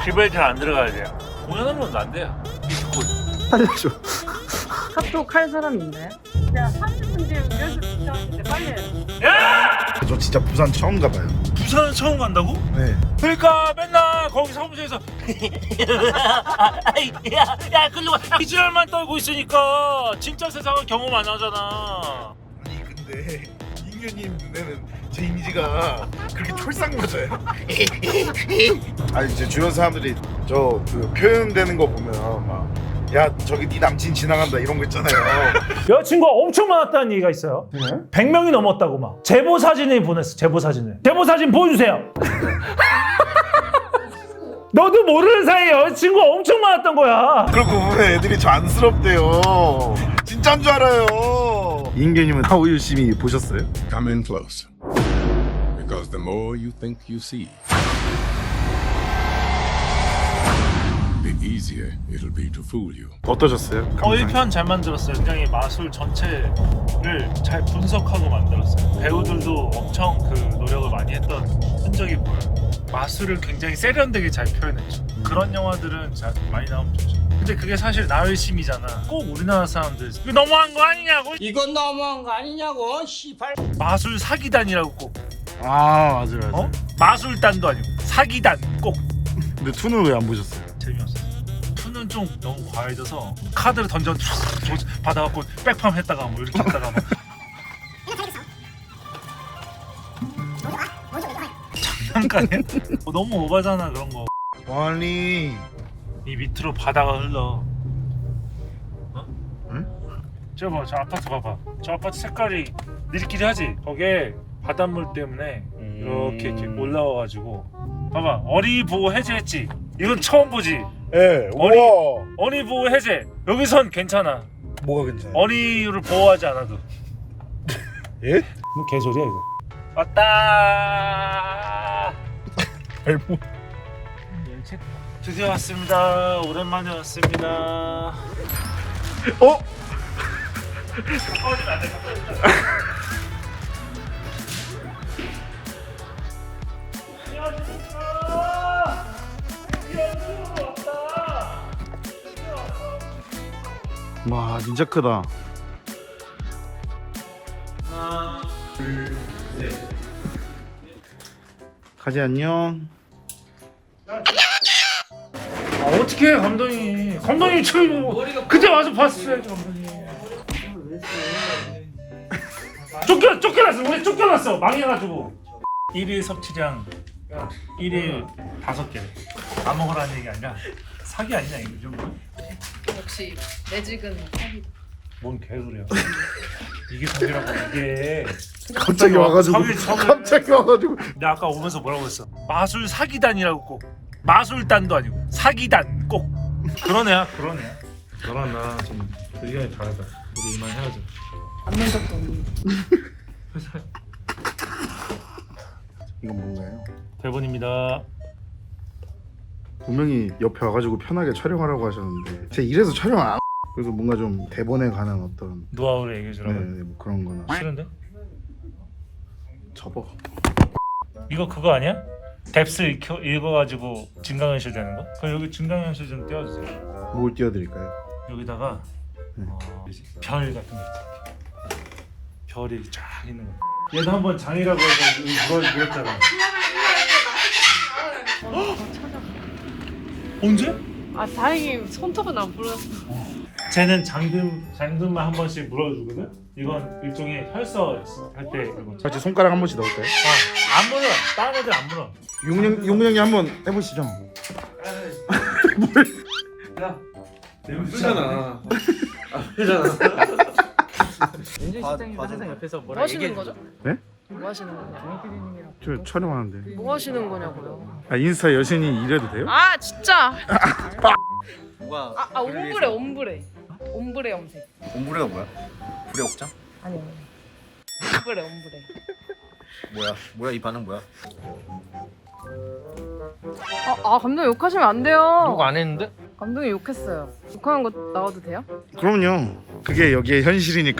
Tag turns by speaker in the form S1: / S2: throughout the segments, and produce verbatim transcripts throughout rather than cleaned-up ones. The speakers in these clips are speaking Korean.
S1: 집에 잘 안 들어가야 돼요. 공연하면 안 돼요. 비트코인.
S2: 살려줘.
S3: 카톡 할 사람 있나요? 제가 삼십 분 뒤에 연습 시작하는데 빨리 해요.
S1: 야!
S2: 저 진짜 부산 처음 가봐요.
S1: 부산 처음 간다고?
S2: 네.
S1: 그러니까 맨날 거기 사무실에서 야, 야, 글로 와. 이지랄만 떨고 있으니까 진짜 세상을 경험 안 하잖아.
S2: 아니 근데 인규님 눈에는 제 이미지가 그렇게 촐싹맞아요. 아니 이제 주변 사람들이 저 그 표현되는 거 보면 막 야 저기 네 남친 지나간다 이런 거 있잖아요.
S4: 여자친구가 엄청 많았다는 얘기가 있어요.
S2: 네?
S4: 백 명이 넘었다고 막. 제보 사진을 보냈어. 제보 사진을. 제보 사진 보여주세요. 너도 모르는 사이에 여자친구가 엄청 많았던 거야.
S2: 그걸 보면 애들이 저 안쓰럽대요. 진짜인 줄 알아요. 인규님은 하우 유심히 보셨어요?
S5: Come in closer. Because the more you think you see, the easier it'll be to fool you.
S2: 어떠셨어요?
S1: 어, 일 편 잘 만들었어요. 굉장히 마술 전체를 잘 분석하고 만들었어요. 배우들도 엄청 그 노력을 많이 했던 흔적이 보여요. 마술을 굉장히 세련되게 잘 표현했죠. 그런 영화들은 잘 많이 나오면 좋죠. 근데 그게 사실 나열심이잖아. 꼭 우리나라 사람들 이거 너무한 거 아니냐고.
S6: 이건 너무한 거 아니냐고 씨발.
S1: 마술 사기단이라고 꼭.
S2: 아 맞아요 맞아요.
S1: 어? 마술단도 아니고 사기단 꼭.
S2: 근데 투는 왜 안 보셨어요?
S1: 재미없었어. 투는 좀 너무 과해져서 카드를 던져 받아갖고 백팜 했다가 뭐 이렇게 했다가 막 장난감이야? 어, 너무 오바잖아 그런 거.
S2: 아니
S1: 이 밑으로 바다가 흘러. 어?
S2: 응?
S1: 저 봐, 저 아파트 봐봐. 저 아파트 색깔이 니들끼리 하지. 거기에 바닷물 때문에 이렇게, 이렇게 올라와가지고 봐봐. 어리 보호 해제했지. 이건 처음 보지.
S2: 예.
S1: 어리-
S2: 우와.
S1: 어리 보호 해제. 여기선 괜찮아.
S2: 뭐가 괜찮아요?
S1: 어리를 보호하지 않아도.
S2: 예?
S4: 뭐 개소리야 이거.
S1: 왔다.
S2: 발목.
S1: 드디어 왔습니다. 오랜만에 왔습니다.
S2: 어?
S1: 꺼지면 안 돼. 안녕하십니까. 드디어 왔다.
S2: 와 진짜 크다.
S1: 하나, 둘, 셋.
S2: 가지 안녕.
S1: 아, 어떻게 해 감독님? 감독님 지금 그때 와서 봤어야지 감독님. 쫓겨 쫓겨났어. 우리 쫓겨났어. 망해가지고. 일일 섭취량 일일 다섯 개. 다 먹으라는 얘기 아니라 사기 아니냐 이거 좀.
S3: 역시 매직은 사기.
S1: 뭔 개소리야. 이게 사기라고 이게.
S2: 갑자기 와가지고.
S1: 사기, 사기.
S2: 갑자기 와가지고.
S1: 내가 아까 오면서 뭐라고 했어? 마술 사기단이라고 꼭. 마술단도 아니고 사기단 꼭. 그런 애야 그런 애야. 너랑 나 지금 의견이 다르다. 우리 이만 헤어져.
S3: 안는 적도 없는.
S1: 회사
S2: 이건 뭔가요?
S1: 대본입니다.
S2: 분명히 옆에 와가지고 편하게 촬영하라고 하셨는데 제가 이래서 촬영 안. 그래서 뭔가 좀 대본에 관한 어떤
S1: 노하우를 얘기해주라고.
S2: 네, 네, 뭐 그런 거나.
S1: 싫은데?
S2: 접어.
S1: 이거 그거 아니야? 뎁스 읽혀, 읽어가지고 증강현실 되는 거? 그럼 여기 증강현실 좀 띄워주세요.
S2: 뭘 띄워드릴까요?
S1: 여기다가
S2: 네.
S1: 어, 별 같은 거 있지. 별이 쫙 있는 거. 얘도 한번 장이라고 해서 물어 물었잖아. 언제?
S3: 아 다행히 손톱은 안 부러졌어.
S1: 쟤는 장금 장금만 한 번씩 물어주거든. 이건 일종의 혈서 할 때 이거.
S2: 같이 손가락 한 번씩 넣을까요?
S1: 아, 안 물어. 다른 애들 안 물어.
S2: 용령 용령이 한번 해보시죠.
S1: 야,
S7: 냄새잖아.
S6: 윤준 실장님 항상 옆에서
S3: 뭐
S6: 뭐라
S3: 하시는
S6: 얘기해
S3: 거죠?
S2: 네?
S3: 뭐 하시는 거죠?
S2: 저 촬영하는데.
S3: 뭐 하시는 거냐고요?
S2: 아 인스타 여신이 이래도 돼요?
S3: 아 진짜.
S7: 뭐가?
S3: 아, 아 옴브레 옴브레. 옴브레 염색.
S7: 옴브레가 뭐야? 불의 옥장?
S3: 아니. 옴브레 옴브레.
S7: 뭐야? 뭐야 이 반응 뭐야?
S3: 아, 아 감독님 욕하시면 안 돼요.
S6: 욕 안 했는데?
S3: 감독님 욕했어요. 욕하는 거 나와도 돼요?
S2: 그럼요. 그게 여기에 현실이니까.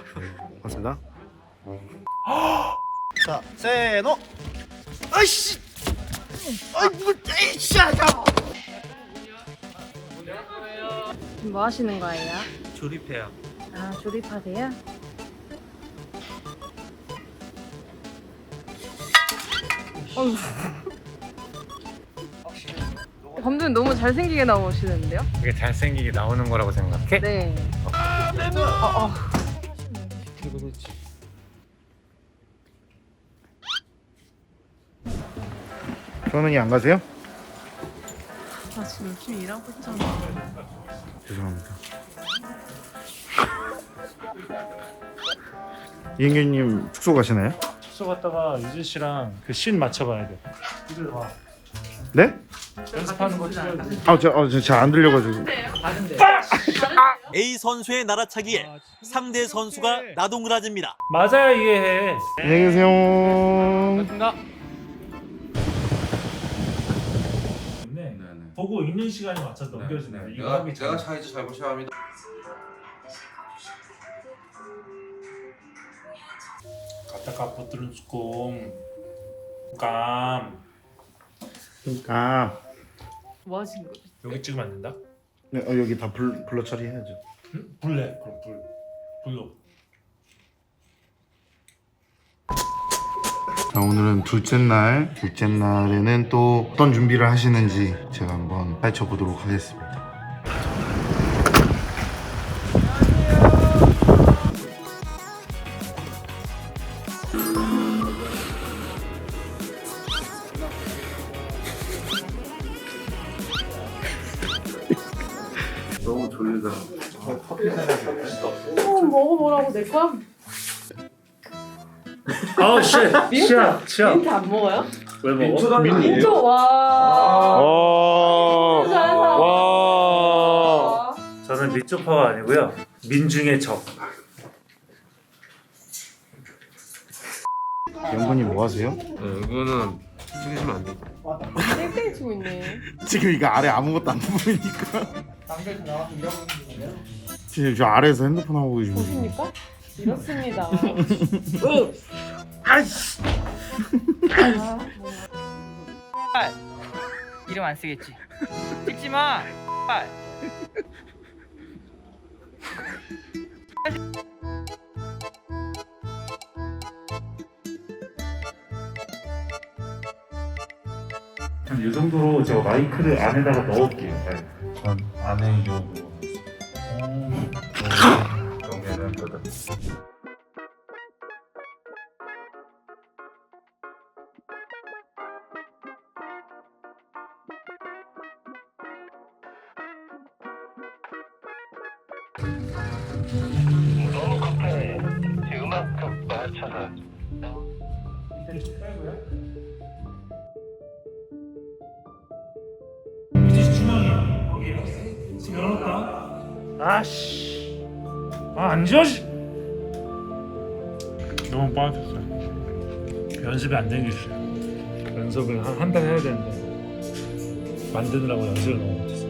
S2: 맞습니다.
S7: 자, 세노. 아이씨.
S2: 아이 뭐 에이씨 야.
S3: 뭐 하시는 거예요?
S6: 조립해요.
S3: 아, 조립하세요? 어휴. 감독님 너무 잘생기게 나오시는데요?
S1: 이게 잘생기게 나오는 거라고 생각해?
S3: 네. 어, 어.
S2: 현은이 안 가세요?
S3: 아, 지금 열심히 일하고 있잖아.
S2: 죄송합니다. 이은규님 숙소 가시나요?
S1: 숙소 갔다가 유진 씨랑 그 씬 맞춰봐야 돼. 이들 봐.
S2: 네?
S1: 연습하는 거 찍어야 돼.
S2: 아, 저, 어, 저, 잘 안 들려가지고.
S8: A 선수의 날아차기에 상대 선수가 나동그라집니다.
S4: 맞아야 이해해.
S2: 안녕히 계세요.
S4: 네. 보고 있는 시간에 맞춰서 넘겨주는 거. 이거 하기 전에.
S7: 차이즈 잘 보셔야 합니다.
S1: 갖다가 버트는 꼼 감.
S2: 그러니까
S3: 뭐 하시는 거죠?
S1: 여기 찍으면 안 된다?
S2: 네, 어, 여기 다 불, 불러 처리해야죠.
S1: 응? 불래 그럼 불 불로.
S2: 자, 오늘은 둘째 날. 둘째 날에는 또 어떤 준비를 하시는지 제가 한번 파헤쳐 보도록 하겠습니다. 너무 졸리다.
S3: 어, 먹어보라고 내 거야?
S1: 아우 씨. 치아 치아.
S3: 민트 안 먹어요?
S1: 왜 먹어?
S3: 민트 와.
S2: 와.
S3: 잘하는 사람.
S2: 와.
S1: 저는 밑조파가 아니고요. 민중의 적.
S2: 영근님 뭐 하세요?
S7: 이거는 찍으시면 안 돼요.
S3: 땡땡 치고 있네.
S2: 지금 이거 아래 아무것도 안 보이니까. 지금 저 아래에서 핸드폰 하고 계시면.
S3: 보십니까? 이렇습니다.
S2: 아이씨.
S6: 이름 안 쓰겠지. 찍지 마.
S1: 한 이 정도로 제가 마이크를 안에다가 넣을게요.
S2: 전 안에 요.
S1: 여기는 거다.
S9: 너무 급해. 음악급 맞춰서.
S4: 유진 씨 중앙이야. 거기 지금 열었다. 아씨. 아 앉아. 씨.
S1: 너무 빠졌어요. 연습이 안 되겠어요. 연습을 한 한 달 해야 되는데 만드느라고 연습을 너무 못했어요.